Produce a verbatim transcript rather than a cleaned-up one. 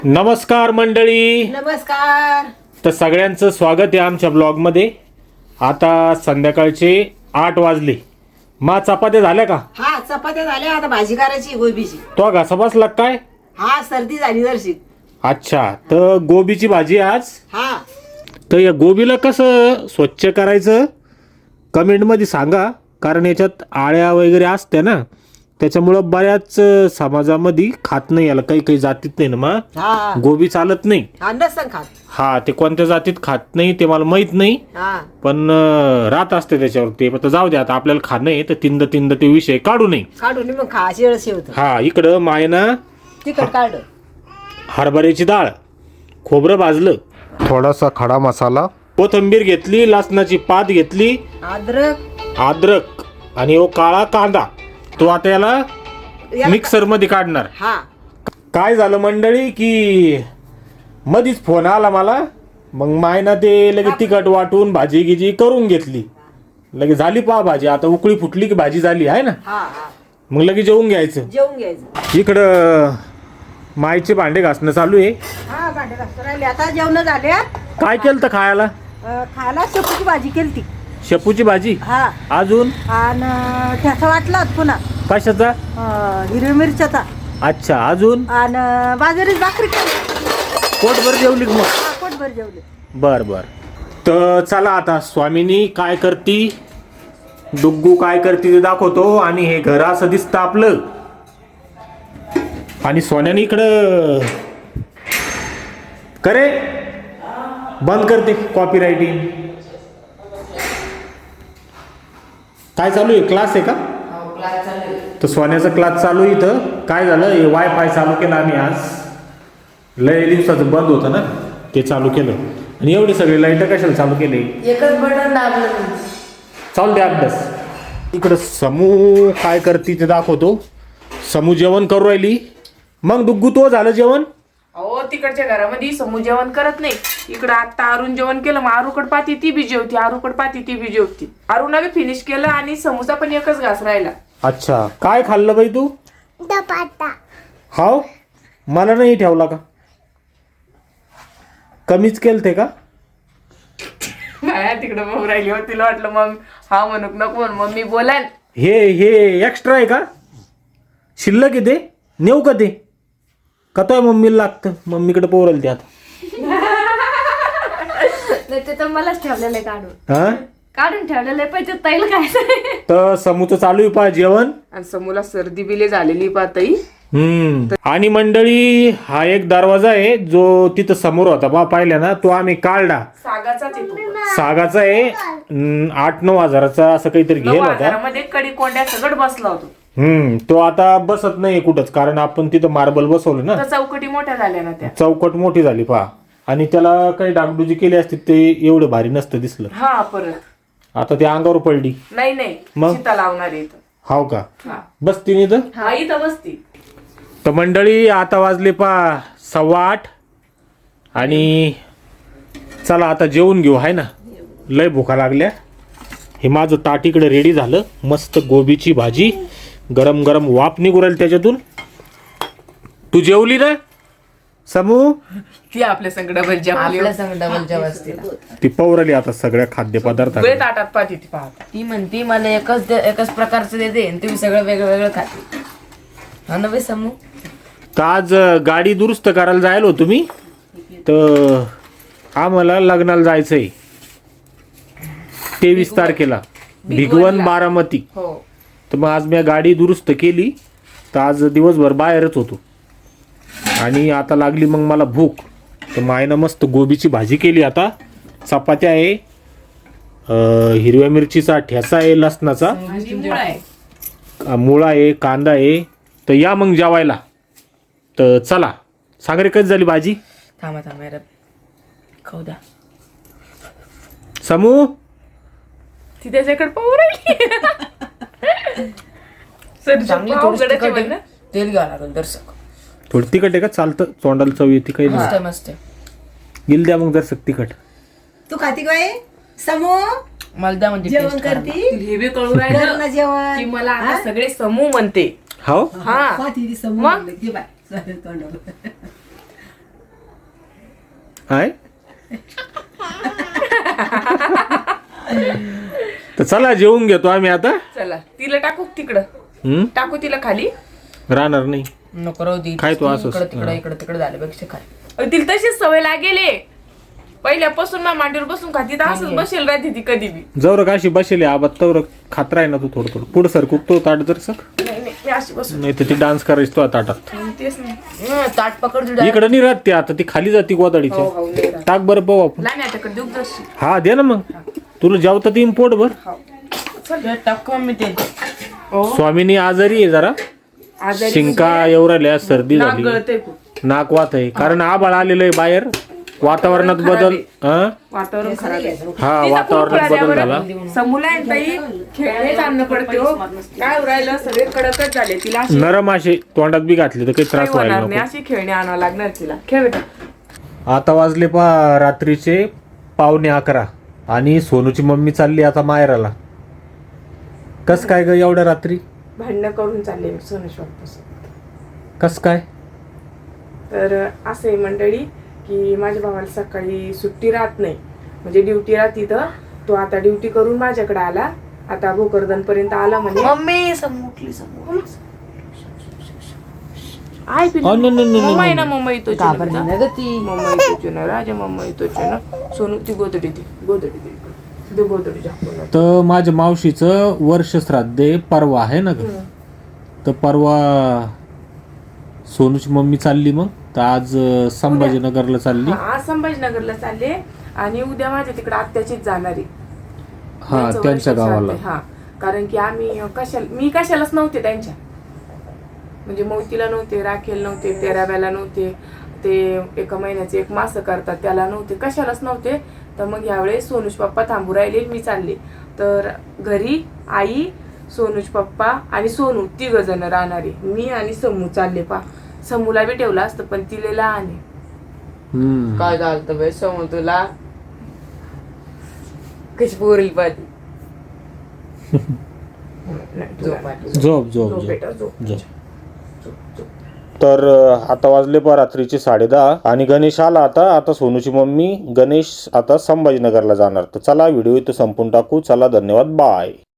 नमस्कार मंडळी. नमस्कार. तर सगळ्यांचं स्वागत आहे आमच्या ब्लॉगमध्ये. आता संध्याकाळचे आठ वाजले. मा चपात्या झाल्या का? हा चपात्या झाल्या, आता भाजी करायची गोबीची. तो घासा बसला काय? हा सर्दी झाली जरशी. अच्छा, तर गोबीची भाजी आज. हा तर या गोबीला कसं स्वच्छ करायचं कमेंटमध्ये सांगा, कारण याच्यात आळ्या वगैरे असते ना, त्याच्यामुळं बऱ्याच समाजामध्ये खात नाही, याला काही काही जातीत नाही ना मग हा गोबी चालत नाही. हा नसन खात. हा, ते कोणत्या जातीत खात नाही ते मला माहित नाही, हा पण अं, राहत असते त्याच्यावर. ते आता जाऊ दे, आता आपल्याला खाणं आहे तर तिंद तिंद ते विषय काढू नये. काढून मग खा शिळ शिवत. हा, इकडं मायना तिखट काढ. हरभऱ्याची डाळ, खोबरं भाजलं, थोडासा खडा मसाला, कोथिंबीर घेतली, लसणाची पात घेतली, अद्रक अद्रक आणि ओ काळा कांदा. तो आता याला मिक्सर मध्ये काढणार. हा काय झालं मंडळी की मधीच फोन आला मला, मग मायना ते लगेच तिखट वाटून भाजी गिजी करून घेतली. लगेच झाली पहा भाजी. आता उकळी फुटली की भाजी झाली आहे ना, हा हा मग लगेच जेवून घ्यायचं. जेवून घ्यायचं. इकडं मायचे भांडे घासणं चालू आहे. हा भांडे घासून राहिले, आता जेवण झाल्या. काय केलं तर खायला? अं, खायला शेपूची भाजी केली ती. शेपूची भाजी. हा अजून आणि ठसा वाटला पुन्हा कशाचा? अं, हिरवी मिरच्याचा. अच्छा, अजून आणि बाजरीची भाकरी केली. पोटभर जेवली का मग? हा पोटभर जेवले. बर बर. तर चला आता स्वामिनी काय करती, डुग्गू काय करती ते दाखवतो. आणि हे घर असं दिसतं आपलं, आणि सोन्याने इकडं करे बंद करते कॉपी रायटिंग. काय चालू आहे? क्लास आहे का? तर सोन्याचा क्लास चालू आहे इथं. काय झालं, हे वायफाय चालू केलं आम्ही आज. लय दिवसाचं बंद होतं ना, ते चालू केलं. आणि एवढे सगळे लाईट कशाला चालू केले? एकच बटन दाबलं. चालू दे अभ्यास. इकडं समू काय करते ते दाखवतो. समू जेवण करू राहिली. मग डुग्गू तो झालं जेवण? अहो तिकडच्या घरामध्ये समू जेवण करत नाही. इकडं आता अरुण जेवण केलं, मग आरूकड पाती ती बी जेवती, आरूकड पाती ती बी जेवती. अरुणा बी फिनिश केलं आणि समूचा पण एकच घास राहिला. अच्छा, काय खाल्लं बाई तू? हाव, मला नाही ठेवला का? कमीच केलं ते का? माया तिकडं भाऊ राहिली हो, तिला वाटलं मग हा म्हणूक नको म्हणून मम्मी बोलाल. हे हे एक्स्ट्रा आहे का? शिल्लक आहे ते? नेऊ का ते? का तो मम्मीला लागतं? मम्मीकडे पोरल ते आता. नाही ते तर मलाच ठेवलेलं आहे काढून. हा, काढून ठेवलेलं आहे, पण ते तैल काय. तर समूचं चालू आहे पहा जेवण. आणि समूला सर्दी बिले झालेली पातई. हम्म. आणि मंडळी हा एक दरवाजा आहे जो तिथं समोर होता बा, पाहिला ना, तो आम्ही काढला. सागाचाच येतो. सागाचा आहे. अं, आठ नऊ हजाराचा असं काहीतरी नऊ घेल होता. हजारामध्ये कडी कोंड्या सगळं बसला होतो. हम्म. तो आता बसत नाही कुठंच, कारण आपण तिथं मार्बल बसवलं ना, तर चौकटी मोठ्या झाल्या ना त्या. चौकट मोठी झाली पहा. आणि त्याला काही डागडुजी केली असती ते एवढं भारी नसतं दिसलं. हा परत आता ते अंगावर पडली. नाही नाही मग? सीता लावणार आहे इथं. हाव का? हा बसती नाही तर. हा इथं बसती. तर मंडळी आता वाजले पा सव्वा आठ. आणि चला आता जेवून घेऊ, आहे ना, लय भुका लागल्या. हे माझं ताट इकडे रेडी झालं. मस्त गोबीची भाजी, गरम गरम वाफ निघू राहिली त्याच्यातून. तू जेवली ना समू? ती आपल्या संगडावर आपल्या संग डबल जेवायचं तिला. ती पौराली आता सगळ्या खाद्यपदार्थ. वेळ ताटात पाहती ती पाहता. ती म्हणती मला एकच दे- एकच प्रकारचं देते आणि तुम्ही सगळं वेगळं वेगळं खाते. हा ना बाई समू. तर आज गाडी दुरुस्त करायला जायला होतो मी, तर आम्हाला लग्नाला जायचंय तेवीस तारखेला भिगवण बारामती. हो तर मग आज मी गाडी दुरुस्त केली, तर आज दिवसभर बाहेरच होतो. आणि आता लागली मग मला भूक, तर मायनं मस्त गोबीची भाजी केली. आता चपात्या आहे, अं, हिरव्या मिरचीचा ठेसा आहे, लसणाचा आणि मूळ आहे. अं, मुळा आहे, कांदा आहे. तर या मग जेवायला. तर चला. सागरे कधी झाली भाजी? थांबा थांबा यार, खाऊ द्या. समू ती त्याच्याकडे पाहू राहिली. सर चांगली पाव थोडीशी गडाचे तिखट बन ना. आहे. तेल घ्यावं लागेल दर्शक. थोडी तिखट आहे का? चालतं, तोंडाला चव येते काही मस्त नाही. आहे मस्त आहे. गेल द्या मग जर तिखट. तू खाती काय समू? मला द्या म्हणजे जेवण करती हे बी कळू राहिलं जेवण की मला आता सगळे समूह म्हणते. हो हा पाहती ती समू मग? म्हणलं, घे बाय. चालेल तोंडावर. हाय तर चला जेवून घेतो आम्ही आता. चला तिला टाकू तिकडं, हम्म टाकू तिला खाली. राहणार नाही. नको राहू दे. काय तू असंच? इकडं तिकडं इकडं तिकडं झाल्यापेक्षा काय. अहो, तिला तशीच सवय लागेले पहिल्यापासून ना मांडीवर बसून खाती तर असंच बसेल राहते ती कधी बी. जवळ काशी बसेल आबाद तवर खात राही ना तू थोडं थोडं पुढं सर कुकतो ताट जर सक नाही नाही मी अशी बसून नाही तर ती डान्स करायची तो ताटात. तेच नाही. हं, ताट पकड तुझ्या. इकडं नाही राहत ती आता ती खाली जाती हो गोदाडीच्या. हो नाही राहत. टाक बरं पाहू आपण. लहान आता देऊ दर्शी. हा दे ना मग तुला जेवता तीन पोट भर. हे टाक मम्मी ते. हो स्वामीनी आजारी आहे जरा आजारी शिंका येऊ राहिल्या सर्दी नाक झाली गळतंय खूप. नाक वात आहे कारण आबाळ आलेलं आहे बाहेर वातावरणात बदल हा वातावरण खराब आहे. हा तिचा वातावरणात खूप बदल झाल्यावर झाला. समूला आहे ताई खेळणे आणणं पडते हो. काय उरायलं सगळे कडकच झाले तिला. अशी नरम असे तोंडात बी घातले तर काही काही त्रास व्हायला होणार नाही. नको. अशी खेळणे आणावं लागणार तिला. खेळ बेटा. आता वाजले पा रात्रीचे पावणे अकरा आणि सोनूची मम्मी चालली आता माहेराला. कस काय ग एवढ्या रात्री? भांडणं करून चालले सोनेश्वरपासून. कस काय? तर असं आहे मंडळी की माझ्या भावाला सकाळी सुट्टी राहत नाही म्हणजे ड्युटी राहती तर तो आता ड्युटी करून माझ्याकडे आला. आता भोकरदन पर्यंत आला म्हणे. मम्मी समोरली समोर. आहे पिल्लू. अ, न, न, न, न, मम्मा आहे न. ना मम्मा येतो घाबरली ना ग ती. मम्मा येतो ना राजा मम्मा येतो ना. सोनू ती गोदडी ती गोदडी ती ती गोदडी झाकून. तर माझ्या मावशीचं वर्ष श्राद्ध परवा आहे ना ग. तर परवा सोनूची मम्मी चालली मग तर आज अं, संभाजीनगरला चालली. हा, आज संभाजीनगरला चालले आणि उद्या माझ्या तिकडे आत्याचीच जाणार आहे. हा त्यांचं त्यांच्या वर्ष गावाला. श्राद्ध आहे. हा कारण की आम्ही कशाला मी कशालाच नव्हते त्यांच्या म्हणजे मोतीला नव्हते, राखेल नव्हते, तेराव्याला नव्हते, ते एका महिन्याचे एक मास करतात त्याला नव्हते, कशालाच नव्हते. तर मग यावेळेस सोनूज पप्पा थांबू राहिले मी चालले. तर घरी आई सोनूज पप्पा आणि सोनू तिघ जण राहणारे. मी आणि समू चालले. पा समूला बी ठेवला असतं पण तिले लहान आहे. हम्म. काय झालं बाई समोर तुला कशी पोरली पाहिजे. नाही, तुला नाही. झोप झोप झोप झोप बेटा झोप. झोप. तर अं, आता वाजले पा रात्रीचे साडेदहा आणि गणेश आला आता. आता सोनूची मम्मी गणेश आता संभाजीनगरला जाणार. तर चला व्हिडिओ इथं संपून टाकू. चला धन्यवाद बाय.